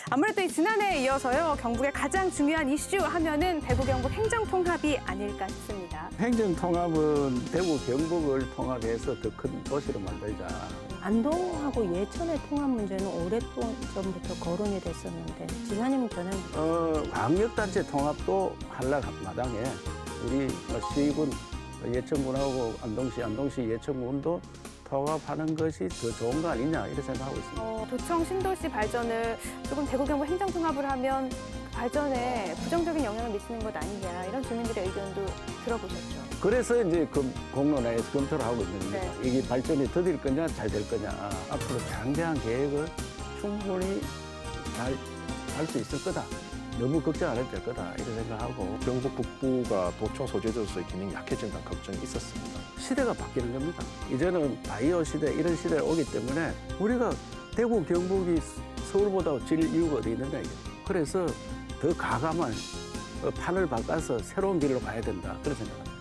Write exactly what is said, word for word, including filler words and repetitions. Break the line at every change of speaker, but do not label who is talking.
아무래도 이 지난해에 이어서요, 경북의 가장 중요한 이슈 하면은 대구 경북 행정통합이 아닐까 싶습니다.
행정통합은 대구 경북을 통합해서 더 큰 도시로 만들자.
안동하고 예천의 통합 문제는 오랫동안부터 거론이 됐었는데 지사님 견해
어, 광역단체 통합도 한락 마당에 우리 시군 예천군하고 안동시, 안동시 예천군도 통합하는 것이 더 좋은 거 아니냐 이렇게 생각하고 있습니다.
어, 도청 신도시 발전을 조금 대구 경북 행정통합을 하면 그 발전에 부정적인 영향을 미치는 것 아니냐 이런 주민들의 의견도 들어보셨죠.
그래서 이제 그 공론화에서 검토를 하고 있는데
네.
이게 발전이 더딜 거냐 잘 될 거냐 앞으로 장대한 계획을 충분히 잘 할 수 있을 거다. 너무 걱정 안 해도 될 거다 이렇게 생각하고
경북 북부가 도청 소재지로서의 기능이 약해진다는 걱정이 있었습니다.
시대가 바뀌는 겁니다. 이제는 바이오 시대 이런 시대가 오기 때문에 우리가 대구 경북이 서울보다 질 이유가 어디 있느냐 이게. 그래서 더 가감한 판을 바꿔서 새로운 길로 가야 된다 그런 생각합니다.